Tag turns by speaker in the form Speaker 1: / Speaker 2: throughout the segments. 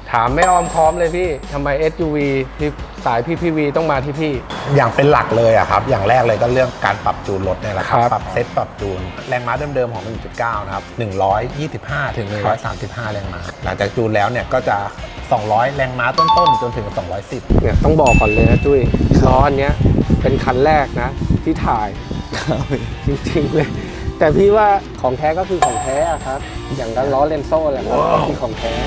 Speaker 1: ถามไม่อ้อมค้อมเลยพี่ทำไม SUV ที่สาย PPV ต้องมาที่พี่
Speaker 2: อย่างเป็นหลักเลยอะครับอย่างแรกเลยก็เรื่องการปรับจูนรถเนี่ยแหละครับปรับเซตปรับจูนแรงม้าเดิมๆของ 1.9 นะครับ125 ถึง 135 แรงม้าหลังจากจูนแล้วเนี่ยก็จะ200 แรงม้าต้นๆจนถึง210
Speaker 1: เนี่ยต้องบอกก่อนเลยนะจุ้ยล้ออันเนี้ยเป็นคันแรกนะที่ถ่ายจริงๆเลยแต่พี่ว่าของแท้ก็คือของแท้ครับอย่างนั้นล้อเลนโซ่แหละครับที่ของแท้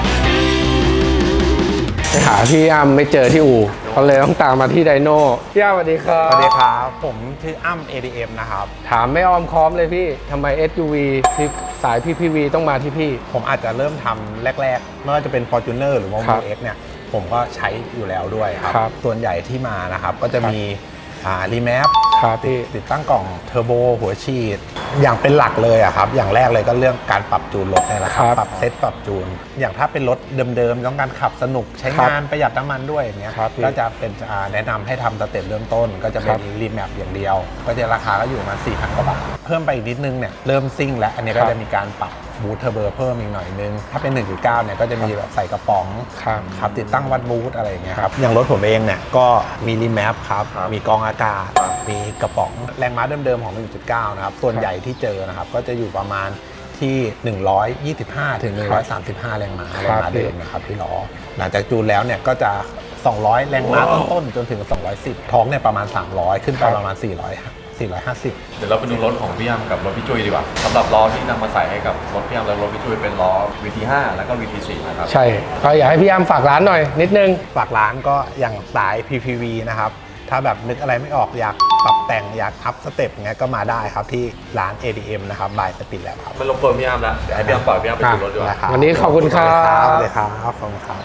Speaker 1: ไปหาพี่อ้ำไม่เจอที่อู่เขาเลยต้องตามมาที่ไดโน่พี่อ้ำสวัสดีครับ
Speaker 2: สวัสดีครับผมชื่ออ้ำ ADM นะครับ
Speaker 1: ถามไม่อ้อมค้อมเลยพี่ทำไม SUV ที่สาย PPV ต้องมาที่พี่
Speaker 2: ผมอาจจะเริ่มทำแรกๆไม่ว่าจะเป็น Fortuner หรือว่า Move X เนี่ยผมก็ใช้อยู่แล้วด้วยครับส่วนใหญ่ที่มานะครับก็จะมีรีแมปติดตั้งกล่องเทอร์โบหัวฉีดอย่างเป็นหลักเลยอะครับอย่างแรกเลยก็เรื่องการปรับจูนรถนี่แหละครับปรับเซตปรับจูนอย่างถ้าเป็นรถเดิมๆต้องการขับสนุกใช้งานประหยัดน้ำมันด้วยอย่างเงี้ยก็จะเป็นแนะนำให้ทำสเต็ปเริ่มต้นก็จะเป็นรีแมปอย่างเดียวก็จะราคาก็อยู่ประมาณ 4,000 กว่าบาทเพิ่มไปอีกนิดนึงเนี่ยเริ่มซิ่งแล้วอันนี้ก็จะมีการปรับบูทเทอร์โบเพิ่มอีกหน่อยนึงถ้าเป็น 1.9 เนี่ยก็จะมีแบบใส่กระป๋องครับติดตั้งวัดบูทอะไรอย่างเงี้ยครับอย่างรถผมเองเนี่ยก็มีรีแมปครับมีกรองอากาศมีกระป๋องแรงม้าเดิมๆของ 1.9 นะครับส่วนใหญ่ที่เจอนะครับก็จะอยู่ประมาณที่125 ถึง 135 แรงม้าเดิมนะครับที่ล้อหลังจากจูนแล้วเนี่ยก็จะ200 แรงม้าต้นๆจนถึง210ท้องเนี่ยประมาณ300ขึ้นไปประมาณ450
Speaker 3: เดี๋ยวเราไปดูรถของพี่ยำกับรถพี่จุ้ยดีกว่าสำหรับล้อที่นำมาใส่ให้กับรถพี่ยำและรถพี่จุ้ยเป็นล้อ VT5 แล้วก็ VT4 นะครับ
Speaker 1: ใช่ก็อยากให้พี่ยำฝากร้านหน่อยนิดนึง
Speaker 2: ฝากร้านก็อย่างสาย PPV นะครับถ้าแบบนึกอะไรไม่ออกอยากปรับแต่งอยากอัพสเต็ปเงี้ยก็มาได้ครับที่ร้าน ADM นะครับบายสปินแล้วครับ
Speaker 3: ไม่รบกวนพี่ยำแล้วเดี๋ยวให้พี่ยำปล่อยพี่ยำไปดูรถดีกว่า
Speaker 1: วันนี้ขอบคุณครับ
Speaker 2: สวัสดีครับขอบคุณครับ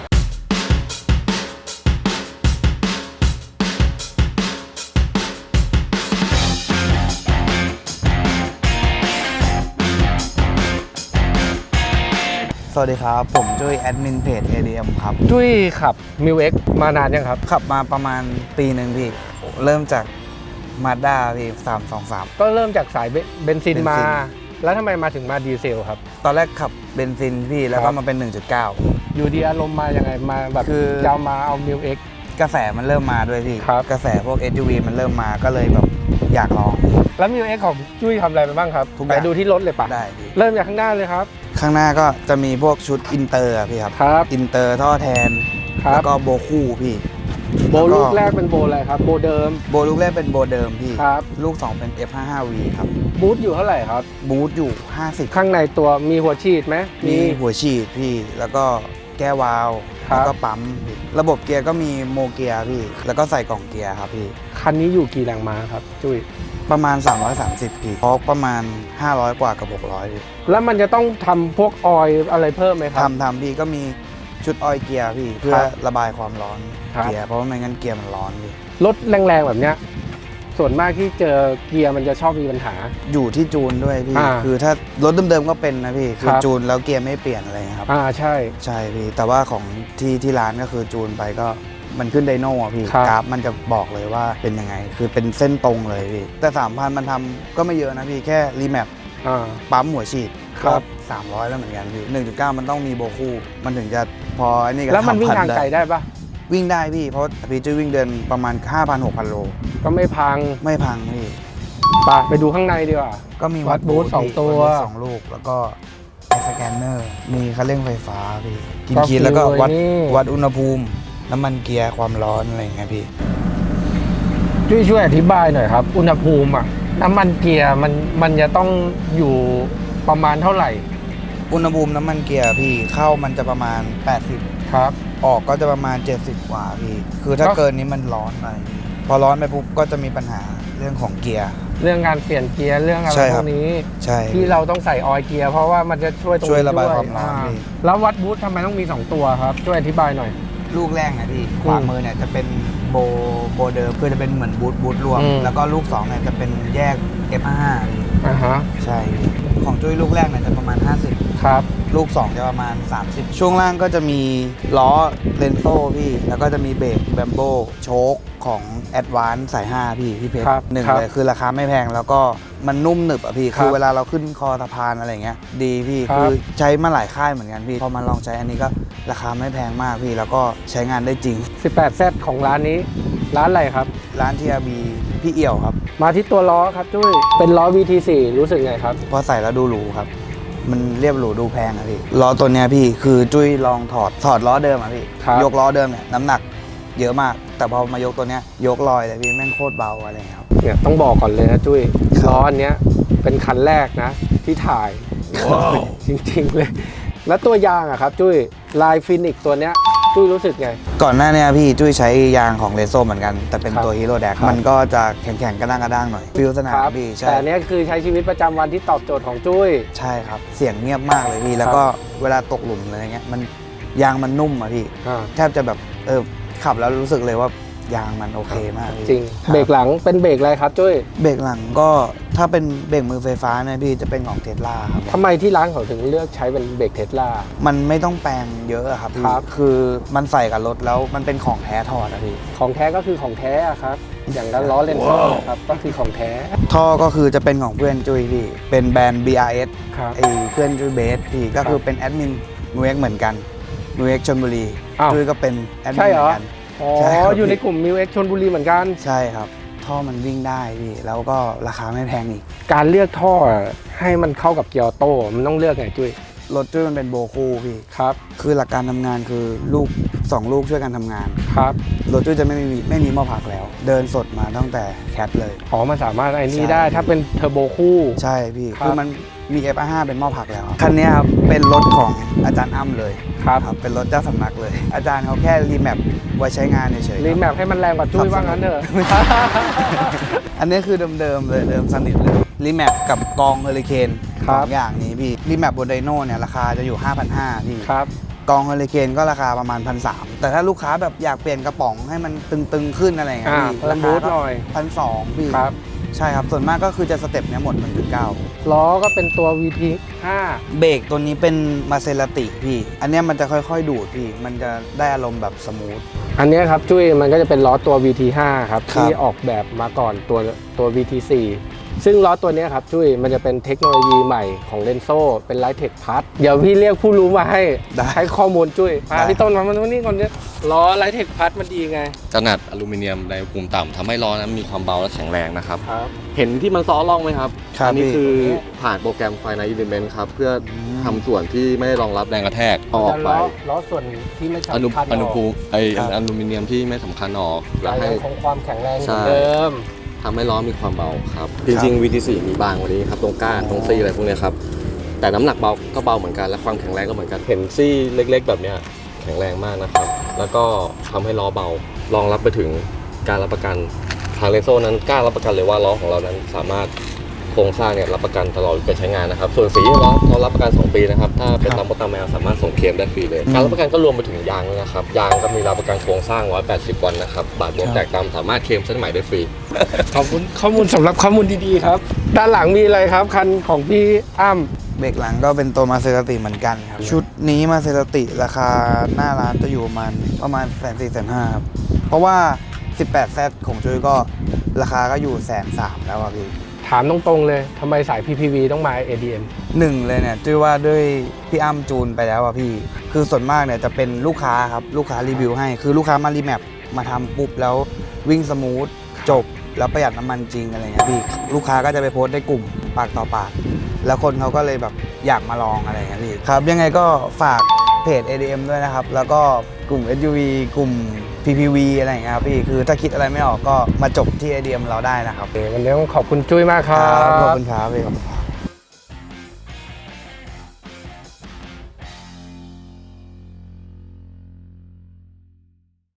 Speaker 4: สวัสดีครับผมจุ้ยแอดมินเพจ ADM ครับ
Speaker 1: จุ้ยขับ Mil X มานานยังครับ
Speaker 4: ขับมาประมาณปีหนึ่งพี่เริ่มจาก Mazda พี่323
Speaker 1: ก็เริ่มจากสายเบนซินมาแล้วทำไมมาถึงมาดีเซลครับ
Speaker 4: ตอนแรกขับเบนซินพี่แล้วก็มาเป็น 1.9
Speaker 1: อยู่ดีอารมณ์มายังไงมาแบบคือจะมาเอา Mil X
Speaker 4: กระแสมันเริ่มมาด้วยพี่กระแสพวก SUV มันเริ่มมาก็เลยแบบอยากลอง
Speaker 1: แล้ว Mil X ของจุ้ยทำอะไรไปบ้างครับไปดูที่รถเลยปะ
Speaker 4: ได้
Speaker 1: เริ่มจากข้างหน้าเลยครับ
Speaker 4: ข้างหน้าก็จะมีพวกชุดอินเตอร์พี่ครับอินเตอร์ท่อแทนแล้วก็โบคู่พี่
Speaker 1: โบลูกแรกเป็นโบอะไรครับโบเดิม
Speaker 4: โบลูกแรกเป็นโบเดิมพี่
Speaker 1: ครับ
Speaker 4: ลูก2เป็น F55V ครับ
Speaker 1: บูทอยู่เท่าไหร่ครับ
Speaker 4: บูทอยู่50
Speaker 1: ข้างในตัวมีหัวฉีดไหม
Speaker 4: มีหัวฉีดพี่แล้วก็แก้วาล์วแล้วก็ปั๊มระบบเกียร์ก็มีโมเกียร์พี่แล้วก็ใส่กล่องเกียร์ครับพี่
Speaker 1: คันนี้อยู่กี่แรงม้าครับจุ้ย
Speaker 4: ประมาณ330พี่ทอร์กประมาณ500กว่ากับ600พี่
Speaker 1: แล้วมันจะต้องทำพวกออยอะไรเพิ่มไหมครับ
Speaker 4: ทำพี่ก็มีชุดออยเกียร์พี่เพื่อระบายความร้อนเกียร์เพราะว่าไม่งั้นเกียร์มันร้อนพี่
Speaker 1: รถแรงๆแบบเนี้ยส่วนมากที่เจอเกียร์มันจะชอบมีปัญหา
Speaker 4: อยู่ที่จูนด้วยพี่คือถ้ารถเดิมๆก็เป็นนะพี่คือจูนแล้วเกียร์ไม่เปลี่ยนอะไรครับ
Speaker 1: ใช่
Speaker 4: พี่แต่ว่าของที่ร้านก็คือจูนไปก็มันขึ้นไดโน่พี่กราฟมันจะบอกเลยว่าเป็นยังไงคือเป็นเส้นตรงเลยพี่แต่ 3,000 มันทำก็ไม่เยอะนะพี่แค่รีแมปปั๊มหัวฉีดก็300แล้วเหมือนกันพี่ 1.9 มันต้องมีโบคู่มันถึงจะพออันนี้ก็
Speaker 1: แล้วมันวิ่งทางไกลได้ปะ
Speaker 4: วิ่งได้พี่เพราะพี่จะวิ่งเดินประมาณ 5,000-6,000 โล
Speaker 1: ก็ไม่พัง
Speaker 4: พี่
Speaker 1: ไปดูข้างในดีกว่า
Speaker 4: ก็มี
Speaker 1: วัดบูท2ตัว
Speaker 4: 2ลูกแล้วก็สแกนเนอร์มีคันเร่งไฟฟ้าพี่กินแล้วก็วัดอุณหภูมิน้ำมันเกียร์ความร้อนอะไรอย่างเงี้ยพี่
Speaker 1: ช่วยอธิบายหน่อยครับอุณหภูมิน้ำมันเกียร์มันจะต้องอยู่ประมาณเท่าไหร่
Speaker 4: อุณหภูมิน้ำมันเกียร์พี่เข้ามันจะประมาณ80
Speaker 1: ครับ
Speaker 4: ออกก็จะประมาณ70กว่าพี่คือถ้าเกินนี้มันร้อนไปพอร้อนไปปุ๊บก็จะมีปัญหาเรื่องของเกียร์
Speaker 1: เรื่องการเปลี่ยนเกียร์เรื่องอะไรพวกนี้
Speaker 4: ใช่
Speaker 1: ที่เราต้องใส่ออยล์เกียร์เพราะว่ามันจะช่วย
Speaker 4: ระบายความร้อน
Speaker 1: แล้ววัดบูททำไมต้องมี2ตัวครับช่วยอธิบายหน่อย
Speaker 4: ลูกแรกนะพี่ขวามือเนี่ยจะเป็นโบเดิมคือจะเป็นเหมือนบูทรวมแล้วก็ลูก2เนี่ยจะเป็นแยก F55 ใช่ของจุ้ยลูกแรกเนี่ยจะประมาณ50
Speaker 1: ครับ
Speaker 4: ลูก2จะประมาณ30ช่วงล่างก็จะมีล้อเลนโซ่พี่แล้วก็จะมีเบรกแบมโบโชคของ Advance สาย5พี่เพชร1เลยคือราคาไม่แพงแล้วก็มันนุ่มหนึบอะพี่คือเวลาเราขึ้นคอสะพานอะไรเงี้ยดีพี่คือใช้มาหลายค่ายเหมือนกันพี่พอมาลองใช้อันนี้ก็ราคาไม่แพงมากพี่แล้วก็ใช้งานได้จริง
Speaker 1: 18Z ของร้านนี้ร้านอะไรครับ
Speaker 4: ร้านทีอาบีพี่เอี่ยวครับ
Speaker 1: มาที่ตัวล้อครับจุ้ยเป็นล้อ VT4 รู้สึกไงครับ
Speaker 4: พอใส่แล้วดูหรูครับมันเรียบหรูดูแพงอะพี่ล้อตัวเนี้ยพี่คือจุ้ยลองถอดล้อเดิมอะพี่ยกล้อเดิมเนี่ยน้ำหนักเยอะมากแต่พอมายกตัวเนี้ยยกลอยเลยพี่แม่งโคตรเบาอะไรเงี้ยครับ
Speaker 1: เนี่ยต้องบอกก่อนเลยนะจุ้ยล้ออันเนี้ยเป็นคันแรกนะที่ถ่าย จริงๆเลย แล้วตัวยางอะครับจุ้ยลายฟินิกตัวเนี้ยจุ้ยรู้สึกไง
Speaker 4: ก่อนหน้านี้พี่จุ้ยใช้ยางของเรโซเหมือนกันแต่เป็นตัวฮีโร่แดกมันก็จะแข็งๆกระด้างๆหน่อยฟิลสนามพี่ใช่
Speaker 1: แต่อันเนี้ยคือใช้ชีวิตประจำวันที่ตอบโจทย์ของจุ้ย
Speaker 4: ใช่ครับเสียงเงียบมากเลยพี่แล้วก็เวลาตกหลุมอะไรเงี้ยมันยางมันนุ่มอะพี่แทบจะแบบขับแล้วรู้สึกเลยว่ายางมันโอเคมาก
Speaker 1: จริงเบรกหลังเป็นเบรกอะไรครับจุ้ย
Speaker 4: เบรกหลังก็ถ้าเป็นเบรกมือไฟฟ้าเนี่ยพี่จะเป็นของเทสลาครับ
Speaker 1: ทำไมที่ร้านเขาถึงเลือกใช้เป็นเบรกเทสลา
Speaker 4: มันไม่ต้องแปลงเยอะอะครับพี่
Speaker 1: ครับ
Speaker 4: คือมันใส่กับรถแล้วมันเป็นของแท้ถอดอะพี่
Speaker 1: ของแท้ก็คือของแท้อะครับอย่างนั้นล้อเลนโซ่ครับก็คือของแท้
Speaker 4: ท่อก็คือจะเป็นของเพื่อนจุ้ยพี่เป็นแบรนด์ BRS
Speaker 1: ครับ
Speaker 4: ไอ้เพื่อนจุ้ยเบสพี่ก็คือเป็นแอดมินนูเอ็กเหมือนกันนูเอ็กชลบุรี
Speaker 1: อ้าว
Speaker 4: จุ้ยก็เป็นแอดมิ
Speaker 1: ใช่
Speaker 4: น
Speaker 1: เห
Speaker 4: เห
Speaker 1: ร
Speaker 4: มื
Speaker 1: อ
Speaker 4: อนกัน
Speaker 1: อ๋อ
Speaker 4: ใช่ครับ
Speaker 1: อยู่ในกลุ่มมิวเอ็กชลบุรีเหมือนกัน
Speaker 4: ใช่ครับท่อมันวิ่งได้พี่แล้วก็ราคาไม่แพงอีก
Speaker 1: การเลือกท่อให้มันเข้ากับเกียร์ออโต้มันต้องเลือกไงจุ้ย
Speaker 4: รถจุ้ยมันเป็นโบคู่พี่
Speaker 1: ครับ
Speaker 4: คือหลักการทำงานคือลูก2ลูกช่วยกันทำงาน
Speaker 1: ครับ
Speaker 4: รถจุ้ยจะไม่มีหม้อผักแล้ว เดินสดมาตั้งแต่แคทเลย
Speaker 1: อ๋อมันสามารถไอ้นี่
Speaker 4: ใช่
Speaker 1: ได้ถ้าเป็นเทอร์โบคู่
Speaker 4: ใช่พี่
Speaker 1: ครับ
Speaker 4: คือมันมี F5 เป็นหม้อผักแล้วครับคันนี้ครับเป็นรถของอาจารย์อ้ำเลย
Speaker 1: ครับ
Speaker 4: เป็นรถเจ้าสำนักเลย อาจารย์เขาแค่รีแมปไว้ใช้งานเฉยๆ
Speaker 1: รีแมปให้มันแรงกว่าจุ้ยว่างั้นเถอะ
Speaker 4: อันนี้คือเดิมๆเลยเดิมสนิทเลยรีแมปกับกองเฮอริเคน
Speaker 1: ครั
Speaker 4: ส
Speaker 1: บ
Speaker 4: องอย่างนี้พี่รีแมปบนไดโน่เนี่ยราคาจะอยู่ 5,500พี่
Speaker 1: ครับ
Speaker 4: กองเฮอริเคนก็ราคาประมาณ 1,300แต่ถ้าลูกค้าแบบอยากเปลี่ยนกระป๋องให้มันตึงๆขึ้นอะไรอย่างเงี้ยพี่
Speaker 1: เพิ่มบูทหน่อย
Speaker 4: 1,200พี่
Speaker 1: ครับ
Speaker 4: ใช่ครับส่วนมากก็คือจะสเต็ปเนี้ยหมด 1.9
Speaker 1: ล้อก็เป็นตัว VT5
Speaker 4: เบรกตัวนี้เป็นมาเซราติพี่ อันเนี้ยมันจะค่อยๆดูดพี่ มันจะได้อารมณ์แบบสมูท
Speaker 1: อันเนี้ยครับจุ้ยมันก็จะเป็นล้อตัว VT5 ครับ
Speaker 4: ครับ
Speaker 1: ที่ออกแบบมาก่อนตัว VT4 ซึ่งล้อตัวเนี้ยครับจุ้ยมันจะเป็นเทคโนโลยีใหม่ของเลนโซเป็นไลท์เทคพัทเดี๋ยวพี่เรียกผู้รู้มาให้ให้ข้อมูลจุ้ยมาพี่ต้นมานี่ก่อนเนี่ยล้อไลท์เทคพัทมันดีไง
Speaker 3: ขนาดอลูมิเนียมในอุณหภูมิต่ำทำให้ล้อนั้นมีความเบาและแข็งแรงนะครับ
Speaker 1: ครับ
Speaker 3: เห็นที่มันซ้อล่องไหมครับ
Speaker 4: ครับ
Speaker 3: อันี้
Speaker 4: พี่
Speaker 3: คือผ่านโปรแกรม Finite Element ครับ เพื่อทำส่วนที่ไม่ได้รองรับแรงกระแทกเอาออกไป
Speaker 1: ล้อส่วนที่ไม่
Speaker 3: อนุ
Speaker 1: สำคัญ
Speaker 3: อนุภูมิไอ
Speaker 4: ครับ
Speaker 3: อลูมิเนียมที่ไม่สำคัญออกแล้วให้
Speaker 1: คงความแข็งแรงเห
Speaker 3: ใช่
Speaker 1: มือนเดิม
Speaker 3: ทำให้ล้อมีความเบาครับ จริงๆ VT4 มีบางกว่านี้ครับ ตรงก้านตรงซี่อะไรพวกเนี้ยครับ แต่น้ำหนักเบาก็เบาเหมือนกัน และความแข็งแรงก็เหมือนกัน เห็นซี่เล็กๆ แบบเนี้ยแข็งแรงมากนะครับ แล้วก็ทำให้ล้อเบารองรับไปถึงการรับประกันทางเลโซนั้นกล้ารับประกันเลยว่าล้อของเรานั้นสามารถโครงสร้างเนี่ยรับประกันตลอดการใช้งานนะครับ ส่วนสีล้อเรารับประกัน 2 ปีนะครับ ถ้าเป็นตามมดตามแมวสามารถส่งเคลมได้ฟรีเลย การรับประกันก็รวมไปถึงยางด้วยนะครับ ยางก็มีรับประกันโครงสร้าง 180 วันนะครับ บาดบวมแตกตามสามารถเคลมเส้นใหม่ได้ฟรี
Speaker 1: ขอบคุณข้อมูลสำหรับข้อมูลดีๆครับ ด้านหลังมีอะไรครับ คันของพี่อ้ำ
Speaker 4: เบรกหลังก็เป็นตัวมาเซราติเหมือนกันครับ ชุดนี้มาเซราติราคาหน้าร้านจะอยู่ประมาณ140,000-150,000ครับ เพราะว่า 18Z ของจุ้ยก็ราคาก็อยู่130,000แล้วอะพี่
Speaker 1: ถามตรงๆเลยทำไมสาย PPV ต้องมา ADM
Speaker 4: หนึ่งเลยเนี่ยจุ้ยว่าด้วยพี่อ้ำจูนไปแล้วอะพี่ คือส่วนมากเนี่ยจะเป็นลูกค้าครับ ลูกค้ารีวิวให้ คือลูกค้ามารีแมปมาทำปุ๊บแล้ววิ่งสมูทจบแล้วประหยัดน้ำมันจริงอะไรเงี้ยพี่ ลูกค้าก็จะไปโพสต์ในกลุ่มปากต่อปาก แล้วคนเขาก็เลยแบบอยากมาลองอะไรเงี้ยพี่ ครับ ยังไงก็ฝากเพจ ADM ด้วยนะครับ แล้วก็กลุ่ม SUV กลุ่ม PPV อะไรอย่างเงี้ยครับพี่ คือถ้าคิดอะไรไม่ออกก็มาจบที่ ADM เราได้นะครับ
Speaker 1: วันนี้ต้องขอบคุณจุ้ยมากครับ
Speaker 4: ขอบคุณครับพี่